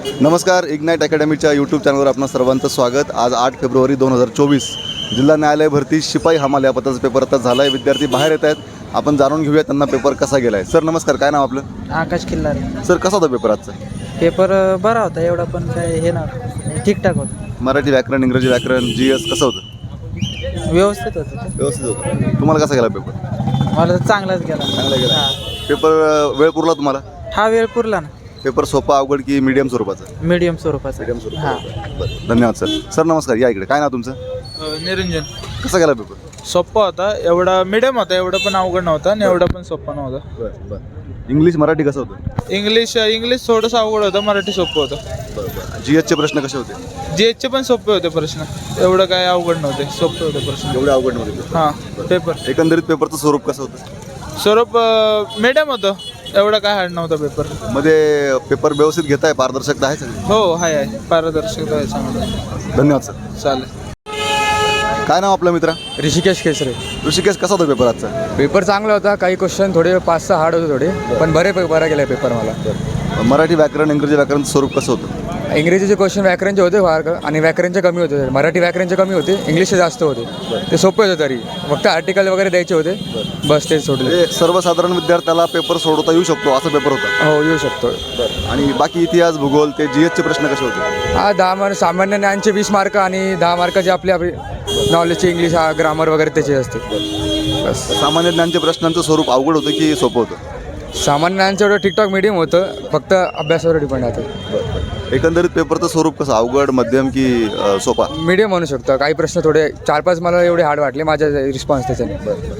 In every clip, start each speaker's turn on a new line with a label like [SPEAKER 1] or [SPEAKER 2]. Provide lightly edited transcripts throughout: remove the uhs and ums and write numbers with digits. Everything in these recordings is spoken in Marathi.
[SPEAKER 1] नमस्कार, इग्नाइट अकॅडमीच्या यूट्यूब चॅनलवर आपणा सर्वांचं स्वागत। आज 8 फेब्रुवारी 2024 जिल्हा न्यायालय भरती शिपाई हमाल या पदाचा पेपर आता झाला आहे। विद्यार्थी बाहेर येत आहेत, आपण जाणून घेऊया त्यांना पेपर कसा गेला आहे। सर नमस्कार, काय नाव आपलं?
[SPEAKER 2] आकाश किल्लारे।
[SPEAKER 1] सर कसा होता पेपर आजचा?
[SPEAKER 2] पेपर बरा होता, एवढा पण काय हे ना, ठीकठाक होता।
[SPEAKER 1] मराठी व्याकरण, इंग्रजी व्याकरण, GS कसं होतं?
[SPEAKER 2] व्यवस्थित होतं।
[SPEAKER 1] व्यवस्थित होतं। तुम्हाला कसा गेला पेपर?
[SPEAKER 2] मला तर चांगलाच गेला।
[SPEAKER 1] चांगला गेला। पेपर वेळ पुरला तुम्हाला?
[SPEAKER 2] हा वेळ पुरला ना।
[SPEAKER 1] पेपर सोपा अवघड की मीडियम स्वरूपाचा?
[SPEAKER 2] मीडियम स्वरूपाचा।
[SPEAKER 1] मीडियम स्वरूपाचा। बरं, धन्यवाद सर। सर नमस्कार, या इकडे। काय नाव तुमचं?
[SPEAKER 3] निरंजन।
[SPEAKER 1] कसा गेला पेपर?
[SPEAKER 3] सोप्पा होता, एवढा मीडियम होता, एवढा पण अवघड नव्हता आणि एवढा पण सोप्पा नव्हता।
[SPEAKER 1] बरं बरं। इंग्लिश मराठी कसं होतं?
[SPEAKER 3] इंग्लिश थोडंसं अवघड होतं, मराठी सोपं होतं।
[SPEAKER 1] बरं बरं। GSचे प्रश्न कसे होते?
[SPEAKER 3] GSचे पण सोपे होते प्रश्न, एवढं काय अवघड नव्हते, सोपे होते प्रश्न।
[SPEAKER 1] एवढे अवघड नव्हते?
[SPEAKER 3] हां, पेपर
[SPEAKER 1] एकंदरीत पेपरचं स्वरूप कसं होतं?
[SPEAKER 3] स्वरूप मीडियम होतं, एवढा काय हार्ड नव्हता पेपर।
[SPEAKER 1] मध्ये पेपर व्यवस्थित घेताय, पारदर्शकता आहे सगळी?
[SPEAKER 3] हो आहे, पारदर्शकता आहे चांगलं।
[SPEAKER 1] धन्यवाद सर।
[SPEAKER 3] चालेल।
[SPEAKER 1] काय नाव आपलं मित्रा?
[SPEAKER 4] ऋषिकेश केसरे।
[SPEAKER 1] ऋषिकेश, कसा होता पेपर आजचा?
[SPEAKER 4] पेपर चांगला होता, काही क्वेश्चन थोडे 5-6 हार्ड होते थोडे, पण बरा गेला पेपर मला।
[SPEAKER 1] मराठी व्याकरण, इंग्रजी व्याकरणचं स्वरूप कसं होतं?
[SPEAKER 4] इंग्रजीचे क्वेश्चन व्याकरणचे होते फार, आणि व्याकरणचे कमी होते। मराठी व्याकरणचे कमी होते, इंग्लिशचे जास्त होते। ते सोपे होते, तरी फक्त आर्टिकल वगैरे द्यायचे होते, बस तेच सोडले।
[SPEAKER 1] म्हणजे सर्वसाधारण विद्यार्थ्याला पेपर सोडवता येऊ शकतो असा पेपर होता?
[SPEAKER 4] हो, येऊ शकतो।
[SPEAKER 1] आणि बाकी इतिहास, भूगोल, ते GSचे प्रश्न कसे होते?
[SPEAKER 4] हा 10 मार्क सामान्य ज्ञानचे 20 मार्क, आणि 10 मार्काचे आपली नॉलेजचे इंग्लिश ग्रामर वगैरे त्याचे असते बस।
[SPEAKER 1] सामान्य ज्ञानच्या प्रश्नांचं स्वरूप अवघड होतं की सोपं होतं?
[SPEAKER 4] सामान्य ज्ञानचं एवढं ठीकठाक मीडियम होतं, फक्त अभ्यासावर डिपेंड राहतं।
[SPEAKER 1] एकंदरीत पेपरचं स्वरूप कसं, अवघड, मध्यम की सोपा?
[SPEAKER 4] मीडियम म्हणू शकतो। काही प्रश्न थोडे 4-5 मला एवढे हार्ड वाटले, माझ्या रिस्पॉन्स त्याच्याने।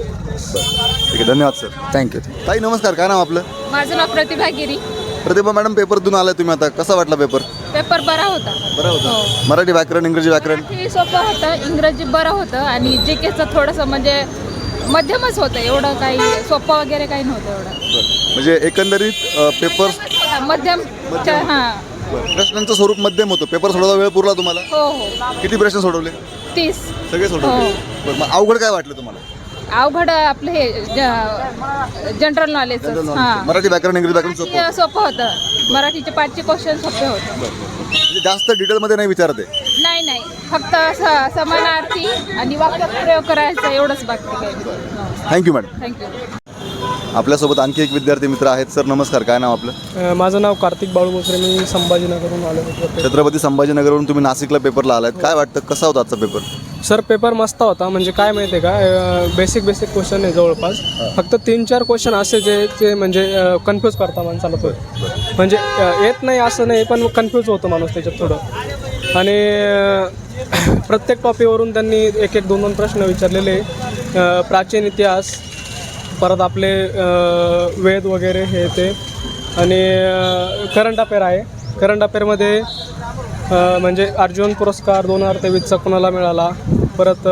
[SPEAKER 1] ठीक आहे, धन्यवाद सर।
[SPEAKER 4] थँक्यू।
[SPEAKER 1] ताई नमस्कार, काय नाव आपलं?
[SPEAKER 5] माझं नाव प्रतिभा गिरी।
[SPEAKER 1] प्रतिभा मॅडम, पेपर देऊन आलाय तुम्ही, आता कसा वाटला पेपर?
[SPEAKER 5] पेपर बरा होता।
[SPEAKER 1] बरं होतं। मराठी व्याकरण, इंग्रजी व्याकरण?
[SPEAKER 5] मराठी सोपं होतं, इंग्रजी बरं होतं, आणि GKचं थोडंसं म्हणजे मध्यमच होतं, एवढं काही सोपं वगैरे काही नव्हतं एवढं।
[SPEAKER 1] म्हणजे एकंदरीत पेपर
[SPEAKER 5] मध्यम। हां,
[SPEAKER 1] प्रश्नांचं स्वरूप मध्यम होतं। पेपर सोडवता वेळ पुरला तुम्हाला?
[SPEAKER 5] हो हो।
[SPEAKER 1] किती प्रश्न सोडवले?
[SPEAKER 5] 30।
[SPEAKER 1] सगळे सोडवले? बरं, मग अवघड काय वाटलं तुम्हाला?
[SPEAKER 5] अवघड आपलं हे जनरल नॉलेज। हां,
[SPEAKER 1] मराठी व्याकरण, इंग्रजी व्याकरण सोपं होतं?
[SPEAKER 5] सोपं होतं। मराठीचे 5चे क्वेश्चन सोपे होते।
[SPEAKER 1] म्हणजे जास्त डिटेलमध्ये नाही विचारते?
[SPEAKER 5] नाही, फक्त समानार्थी आणि वाक्यात प्रयोग करायचा, एवढंच बाकी काही।
[SPEAKER 1] Thank you madam.
[SPEAKER 5] थँक्यू।
[SPEAKER 1] आपल्यासोबत आणखी एक विद्यार्थी मित्र आहेत। सर नमस्कार, काय नाव आपलं?
[SPEAKER 6] माझं नाव कार्तिक बाळू बोसरे, मी संभाजीनगरहून आलो होतो।
[SPEAKER 1] छत्रपती संभाजीनगरवरून तुम्ही नाशिकला पेपरला आलात, काय वाटतं कसा होता आजचा पेपर?
[SPEAKER 6] सर पेपर मस्त होता, म्हणजे काय माहिती आहे का, बेसिक क्वेश्चन आहे जवळपास, फक्त 3-4 क्वेश्चन असे जे म्हणजे कन्फ्यूज करता माणसाला तो, म्हणजे येत नाही असं नाही, पण कन्फ्यूज होतो माणूस त्याच्यात थोडं। आणि प्रत्येक टॉपिकवरून त्यांनी 1-2 प्रश्न विचारलेले, प्राचीन इतिहास, परत आपले वेद वगैरे हे ते, आणि करंट अफेअर आहे। करंट अफेअरमध्ये म्हणजे अर्जुन पुरस्कार 2023चा कोणाला मिळाला, परत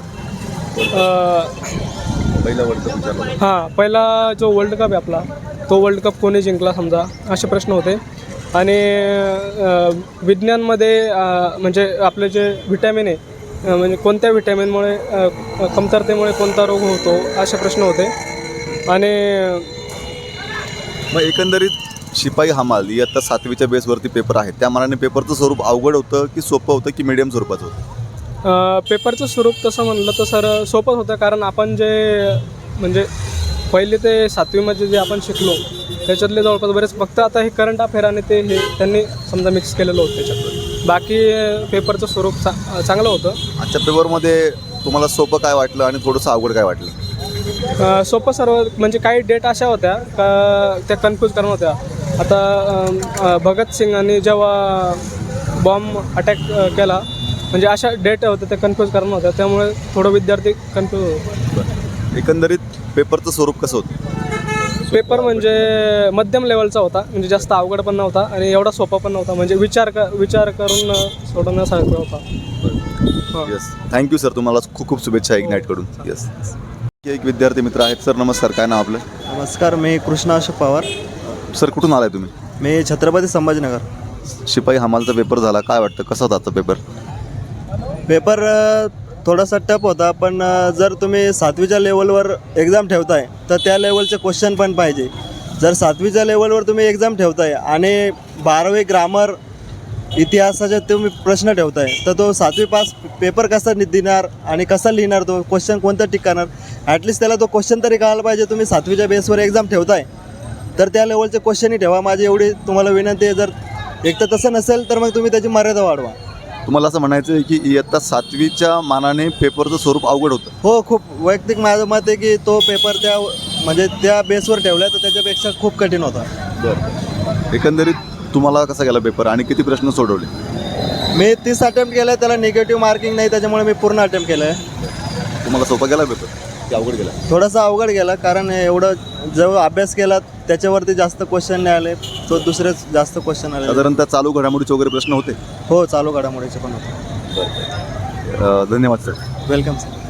[SPEAKER 6] पहिला जो वर्ल्ड कप आहे आपला, तो वर्ल्ड कप कोणी जिंकला समजा, असे प्रश्न होते। आणि विज्ञानमध्ये म्हणजे आपले जे व्हिटॅमिन आहे, म्हणजे कोणत्या व्हिटॅमिनमुळे कमतरतेमुळे कोणता रोग होतो, असे प्रश्न होते। आणि
[SPEAKER 1] मग एकंदरीत शिपाई हमाल इयत्ता 7वीच्या बेसवरती पेपर आहे, त्या मानाने पेपरचं स्वरूप अवघड होतं की सोपं होतं की मीडियम स्वरूपाचं होतं?
[SPEAKER 6] पेपरचं स्वरूप तसं म्हणलं तर सर सोपंच होतं, कारण आपण जे म्हणजे 1ली ते 7वीमध्ये जे आपण शिकलो त्याच्यातले जवळपास बरेच, फक्त आता हे करंट अफेअर आणि ते हे त्यांनी समजा मिक्स केलेलं होतं त्याच्यात, बाकी पेपरचं स्वरूप चांगलं होतं।
[SPEAKER 1] आजच्या पेपरमध्ये तुम्हाला सोपं काय वाटलं आणि थोडंसं अवघड काय वाटलं?
[SPEAKER 6] सोपं सर्व, म्हणजे काही डेट अशा होत्या का त्या कन्फ्यूज करणं होत्या। आता भगतसिंगांनी जेव्हा बॉम्ब अटॅक केला, म्हणजे अशा डेट होत्या त्या कन्फ्यूज करणं होत्या, त्यामुळे थोडं विद्यार्थी कन्फ्यूज होतो।
[SPEAKER 1] एकंदरीत पेपरचं स्वरूप कसं होतं?
[SPEAKER 6] पेपर म्हणजे मध्यम लेवलचा होता, म्हणजे जास्त अवघड पण नव्हता आणि एवढा सोपा पण नव्हता, म्हणजे विचार करून सोडवण्यासारखा होता।
[SPEAKER 1] येस, थँक्यू सर, तुम्हाला खूप खूप शुभेच्छा इग्नाइटकडून। येस, एक विद्यार्थी मित्र आहेत। सर नमस्कार, काय नाव आपलं?
[SPEAKER 7] नमस्कार, मी कृष्णा अशोक पवार।
[SPEAKER 1] सर कुठून आलाय तुम्ही?
[SPEAKER 7] मी छत्रपती संभाजीनगर।
[SPEAKER 1] शिपाई हमालचा पेपर झाला, काय वाटतं कसा होता आजचा पेपर?
[SPEAKER 7] पेपर थोडासा टफ होता, पण जर तुम्ही 7वीच्या लेवलवर एक्झाम ठेवताय तर त्या लेवलचे क्वेश्चन पण पाहिजे। जर 7वीच्या लेवलवर तुम्ही एक्झाम ठेवताय आणि 12वी ग्रामर इतिहासाचे तुम्ही प्रश्न ठेवताय तर तो 7वी पास पेपर कसा देणार आणि कसा लिहिणार, तो क्वेश्चन कोणतं टिकणार, ॲटलिस्ट त्याला तो क्वेश्चन तरी कळायला पाहिजे. तुम्ही 7वीच्या बेसवर एक्झाम ठेवताय तर त्या लेवलचे क्वेश्चनही ठेवा. माझी एवढी तुम्हाला विनंती आहे. जर एक तर तसं नसेल तर मग तुम्ही त्याची मर्यादा वाढवा.
[SPEAKER 1] तुम्हाला असं म्हणायचं आहे की इयत्ता 7वीच्या मानाने पेपरचं स्वरूप अवघड होतं.
[SPEAKER 7] हो, खूप वैयक्तिक माझं मत आहे की तो पेपर म्हणजे त्या बेसवर ठेवला तर त्याच्यापेक्षा खूप कठीण होता.
[SPEAKER 1] एकंदरीत तुम्हाला कसा गेला पेपर आणि किती प्रश्न सोडवले?
[SPEAKER 7] मी 30 अटेम्प्ट केलं, त्याला निगेटिव्ह मार्किंग नाही, त्याच्यामुळे मी पूर्ण अटेम्प्ट केलं आहे.
[SPEAKER 1] तुम्हाला सोपा गेला पेपर की अवघड गेला?
[SPEAKER 7] थोडासा अवघड गेला, कारण एवढं जो अभ्यास केला त्याच्यावरती जास्त क्वेश्चन नाही आले, तो दुसरेच जास्त क्वेश्चन आले.
[SPEAKER 1] साधारणतः चालू घडामोडीचे वगैरे प्रश्न होते?
[SPEAKER 7] हो, चालू घडामोडीचे पण होते.
[SPEAKER 1] धन्यवाद सर.
[SPEAKER 7] Welcome sir.